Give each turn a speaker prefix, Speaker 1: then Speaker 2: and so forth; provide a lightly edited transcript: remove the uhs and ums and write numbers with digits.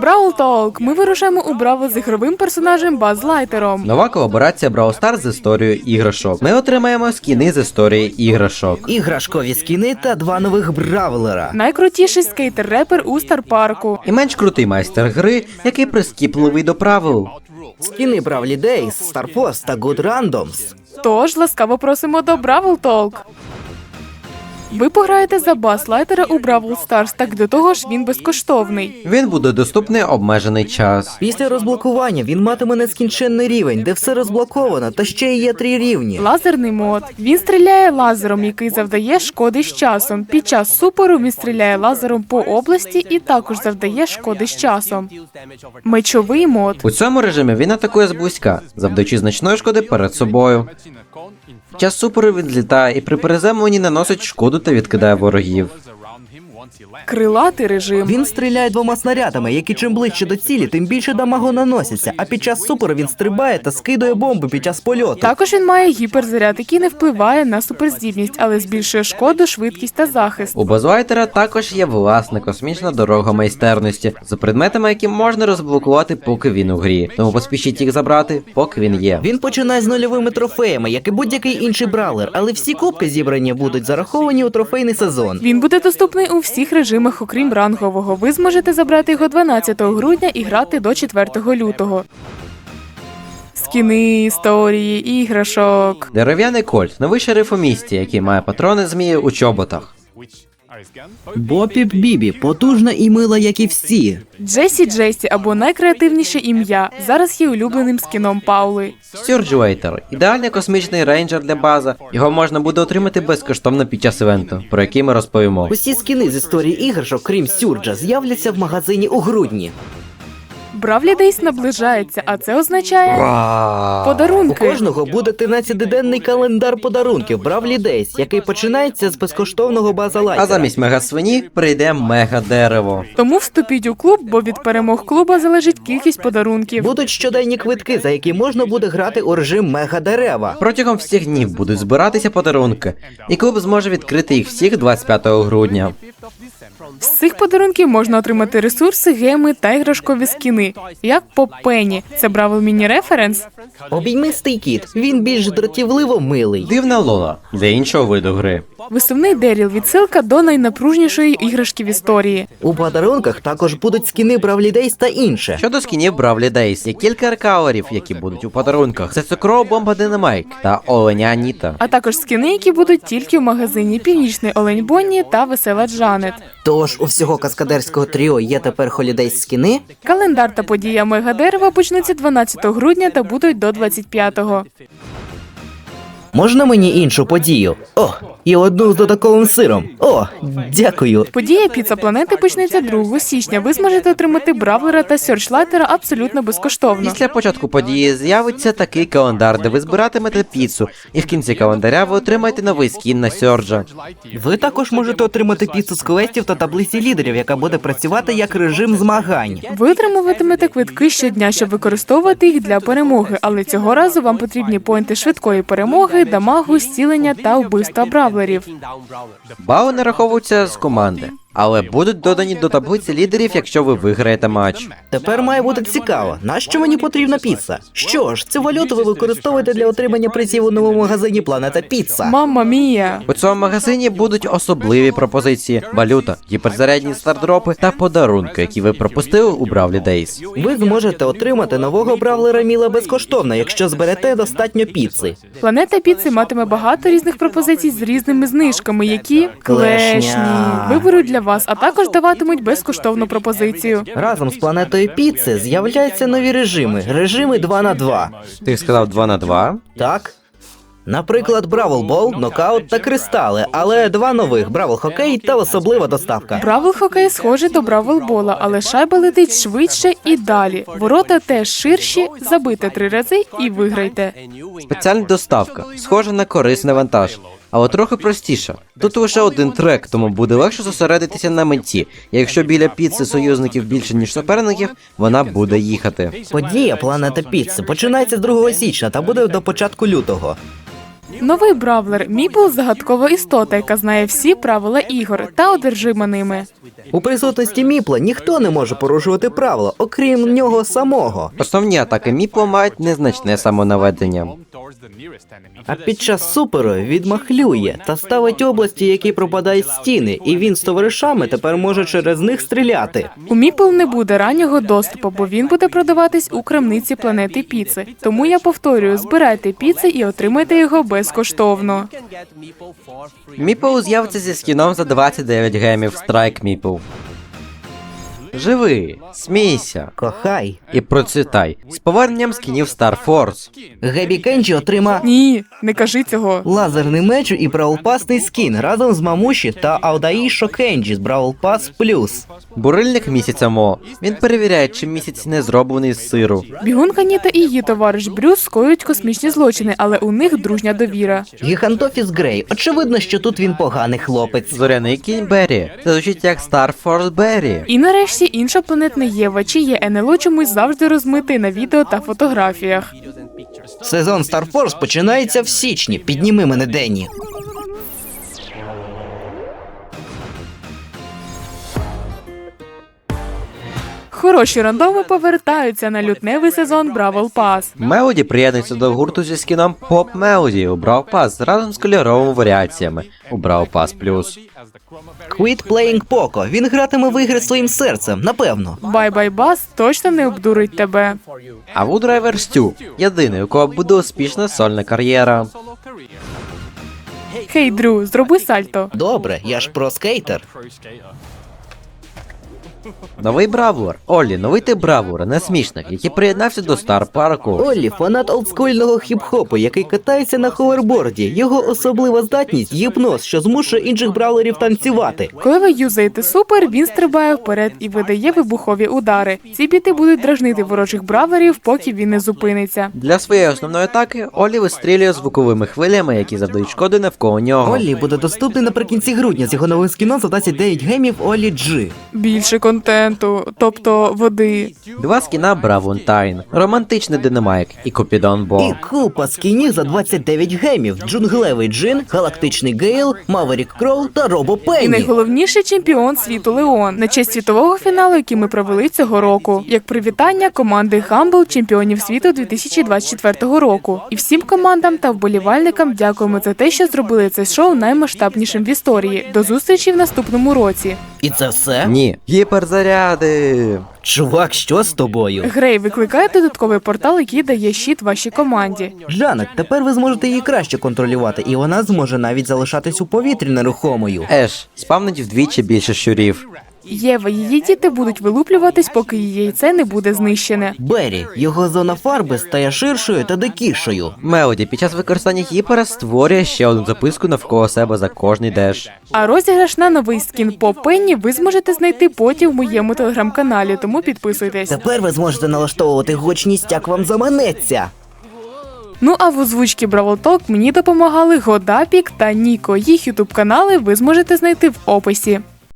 Speaker 1: Бравл Толк! Ми вирушаємо у Бравл з ігровим персонажем Баз Лайтером.
Speaker 2: Нова колаборація Brawl Stars з історією іграшок. Ми отримаємо скіни з історії іграшок.
Speaker 3: Іграшкові скіни та два нових бравлера.
Speaker 1: Найкрутіший скейтер-репер у Старпарку.
Speaker 2: І менш крутий майстер гри, який прискіпливий до правил.
Speaker 3: Скіни Бравлі Дейс, Старфорс та Good Randoms.
Speaker 1: Тож, ласкаво просимо до Бравл Толк. Ви пограєте за Баз Лайтера у Бравл Старс, так до того ж він безкоштовний.
Speaker 2: Він буде доступний обмежений час.
Speaker 3: Після розблокування він матиме нескінченний рівень, де все розблоковано, та ще й є 3 рівні.
Speaker 1: Лазерний мод. Він стріляє лазером, який завдає шкоди з часом. Під час супору він стріляє лазером по області і також завдає шкоди з часом. Мечовий мод.
Speaker 2: У цьому режимі він атакує зблизька, завдаючи значної шкоди перед собою. В час супору він злітає і при приземленні наносить шкоду та відкидає ворогів.
Speaker 1: Крилатий режим.
Speaker 3: Він стріляє 2 снарядами, які чим ближче до цілі, тим більше дамагу наноситься, а під час супору він стрибає та скидує бомби під час польоту.
Speaker 1: Також він має гіперзаряд, який не впливає на суперздібність, але збільшує шкоду, швидкість та захист.
Speaker 2: У Баз Лайтера також є власна космічна дорога майстерності з предметами, які можна розблокувати, поки він у грі. Тому поспішіть їх забрати, поки він є.
Speaker 3: Він починає з нульовими трофеями, як і будь-який інший бравлер, але всі кубки зібрані будуть зараховані у трофейний сезон.
Speaker 1: Він буде доступний у всіх режимах, окрім рангового. Ви зможете забрати його 12 грудня і грати до 4 лютого. Скіни, історії, іграшок.
Speaker 2: Дерев'яний кольт, новий шериф у місті, який має патрони змії у чоботах.
Speaker 3: Бопіп Бібі, потужна і мила, як і всі.
Speaker 1: Джесі або найкреативніше ім'я. Зараз є улюбленим скіном Паули.
Speaker 2: Стюрджуейтер – ідеальний космічний рейнджер для база. Його можна буде отримати безкоштовно під час івенту, про який ми розповімо.
Speaker 3: Усі скіни з історії іграшок, крім Сюрджа, з'являться в магазині у грудні.
Speaker 1: Бравлі Дейс наближається, а це означає
Speaker 3: У
Speaker 1: подарунки.
Speaker 3: кожного буде 13-денний календар подарунків Бравлі Дейс, який починається з безкоштовного База
Speaker 2: А
Speaker 3: Лайтера.
Speaker 2: замість мега-свині прийде мега-дерево.
Speaker 1: Тому вступіть у клуб, бо від перемог клуба залежить кількість подарунків.
Speaker 3: Будуть щоденні квитки, за які можна буде грати у режим мега-дерева.
Speaker 2: Протягом всіх днів будуть збиратися подарунки, і клуб зможе відкрити їх всіх 25 грудня.
Speaker 1: З цих подарунків можна отримати ресурси, геми та іграшкові скіни, як Поп Пенні. Це Бравл Міні-референс.
Speaker 3: Обіймистий кіт, він більш дратівливо милий.
Speaker 2: Дивна Лола для іншого виду гри.
Speaker 1: Висувний Деріл – відсилка до найнапружнішої іграшки в історії.
Speaker 3: У подарунках також будуть скіни Бравлі Дейс та інше.
Speaker 2: Щодо скінів Бравлі Дейс, є кілька рекаверів, які будуть у подарунках. Це цукрова бомба Динамайк та оленя Аніта.
Speaker 1: А також скіни, які будуть тільки в магазині Північний Олень Бонні та Весела Джанет.
Speaker 3: Тож у всього каскадерського тріо є тепер холідейс скіни.
Speaker 1: Календар та подія Мегадерева почнуться 12 грудня та будуть до 25-го.
Speaker 3: Можна мені іншу подію? О, і одну з додатковим сиром. О, дякую.
Speaker 1: Подія Піца Планети почнеться 2 січня. Ви зможете отримати Бравлера та Сьорчлайтера абсолютно безкоштовно.
Speaker 2: Після початку події з'явиться такий календар, де ви збиратимете піцу, і в кінці календаря ви отримаєте новий скін на Сьорджа.
Speaker 3: Ви також можете отримати піцу з квестів та таблиці лідерів, яка буде працювати як режим змагань.
Speaker 1: Ви отримуватимете квитки щодня, щоб використовувати їх для перемоги, але цього разу вам потрібні поінти швидкої перемоги, дамагу, зцілення та вбивства бравлерів.
Speaker 2: Бали нараховуються з команди, але будуть додані до таблиці лідерів, якщо ви виграєте матч.
Speaker 3: Тепер має бути цікаво, нащо мені потрібна піца? Що ж, цю валюту ви використовуєте для отримання призів у новому магазині Планета Піца.
Speaker 1: Мамма мія!
Speaker 2: У цьому магазині будуть особливі пропозиції: валюта, гіперзарядні стардропи та подарунки, які ви пропустили у Бравлі Дейс.
Speaker 3: Ви зможете отримати нового бравлера Міла безкоштовно, якщо зберете достатньо піци.
Speaker 1: Планета Піци матиме багато різних пропозицій з різними знижками, які клешні виберуть для вас, а також даватимуть безкоштовну пропозицію.
Speaker 3: Разом з Планетою Піци з'являються нові режими 2 на 2.
Speaker 2: Ти сказав 2 на 2?
Speaker 3: Так? Наприклад, Бравл Бол, Нокаут та Кристали, але 2 нових – Бравл Хокей та особлива доставка.
Speaker 1: Бравл Хокей схожий до Бравл Бола, але шайба летить швидше і далі. Ворота теж ширші, забийте 3 рази і виграйте.
Speaker 2: Спеціальна доставка, схожа на корисний вантаж, але трохи простіша. Тут лише один трек, тому буде легше зосередитися на меті. І якщо біля піци союзників більше, ніж суперників, вона буде їхати.
Speaker 3: Подія Планета Піци починається з 2 січня та буде до початку лютого.
Speaker 1: Новий бравлер Міпл – загадкова істота, яка знає всі правила ігор та одержима ними.
Speaker 3: У присутності Міпла ніхто не може порушувати правила, окрім нього самого.
Speaker 2: Основні атаки Міпла мають незначне самонаведення.
Speaker 3: А під час суперу відмахлює та ставить області, які пропадають з стіни, і він з товаришами тепер може через них стріляти.
Speaker 1: У Міпл не буде раннього доступу, бо він буде продаватись у крамниці планети Піци. Тому я повторюю, збирайте піци і отримайте його безкоштовно.
Speaker 2: Міпл з'явиться зі скіном за 29 гемів Страйк Міпл. Живи, смійся
Speaker 3: Кохай.
Speaker 2: і процвітай з поверненням скінів Star Force.
Speaker 3: Гебі Кенджі отрима
Speaker 1: Ні, не кажи цього.
Speaker 3: лазерний меч і браулпасний скін разом з Мамуші та Аудаїшо Кенджі з Бравл Пас Плюс.
Speaker 2: Бурильник місяця Мо. Він перевіряє, чи місяць не зроблений з сиру.
Speaker 1: Бігунка Ніта і її товариш Брюс скоюють космічні злочини, але у них дружня довіра.
Speaker 3: Гігантофіс Грей. Очевидно, що тут він поганий хлопець.
Speaker 2: Зоряний кінь Беррі. Це звучить як Star Force Беррі.
Speaker 1: І нарешті іншопланетна Єва, чиє НЛО чомусь завжди розмитий на відео та фотографіях.
Speaker 3: Сезон Star Force починається в січні. Підніми мене, Денні.
Speaker 1: Хороші рандоми повертаються на лютневий сезон Бравл Пас.
Speaker 2: Мелоді приєднується до гурту зі скіном Pop Melody у Brawl Pass разом з кольоровими варіаціями у Brawl Pass Plus.
Speaker 3: Quit Playing Poco. Він гратиме в ігри своїм серцем, напевно.
Speaker 1: Бай-бай Бас точно не обдурить тебе.
Speaker 2: А Вудрайвер Стю – єдиний, у кого буде успішна сольна кар'єра.
Speaker 1: Хей, Дрю, зроби сальто.
Speaker 3: Добре, я ж про-скейтер.
Speaker 2: Новий бравлер. Оллі, новий тип бравлера, несмішник, який приєднався до Стар Парку.
Speaker 3: Оллі – фанат олдскульного хіп-хопу, який катається на ховерборді. Його особлива здатність – гіпноз, що змушує інших бравлерів танцювати.
Speaker 1: Коли ви юзаєте супер, він стрибає вперед і видає вибухові удари. Ці біти будуть дражнити ворожих бравлерів, поки він не зупиниться.
Speaker 2: Для своєї основної атаки Оллі вистрілює звуковими хвилями, які завдають шкоди навколо нього.
Speaker 3: Оллі буде доступний наприкінці грудня з його новим скіном за 29 гемів Оллі G.
Speaker 1: Більше контенту, тобто води.
Speaker 2: Два скіна Бравунтайн, романтичний динамайк і Купідон Бо.
Speaker 3: І купа скінів за 29 гемів. Джунглевий Джин, Галактичний Гейл, Маверік Кроу та Робо
Speaker 1: І
Speaker 3: Пенні.
Speaker 1: найголовніший чемпіон світу Леон на честь світового фіналу, який ми провели цього року. Як привітання команди Humble чемпіонів світу 2024 року. І всім командам та вболівальникам дякуємо за те, що зробили це шоу наймасштабнішим в історії. До зустрічі в наступному році.
Speaker 3: І це все?
Speaker 2: Ні, гіперзаряди.
Speaker 3: Чувак, що з тобою?
Speaker 1: Грей викликає додатковий портал, який дає щит вашій команді.
Speaker 3: Жанет, тепер ви зможете її краще контролювати, і вона зможе навіть залишатись у повітрі нерухомою.
Speaker 2: Еш, спавнить вдвічі більше щурів.
Speaker 1: Єва, її діти будуть вилуплюватись, поки її яйце не буде знищене.
Speaker 3: Беррі, його зона фарби стає ширшою та дикішою.
Speaker 2: Мелоді під час використання гіпера створює ще одну записку навколо себе за кожний деш.
Speaker 1: А розіграш на новий скін по Пенні ви зможете знайти потім в моєму телеграм-каналі, тому підписуйтесь.
Speaker 3: Тепер ви зможете налаштовувати гучність, як вам заманеться.
Speaker 1: Ну а в озвучці Бравл Толк мені допомагали Годапік та Ніко. Їх ютуб канали ви зможете знайти в описі.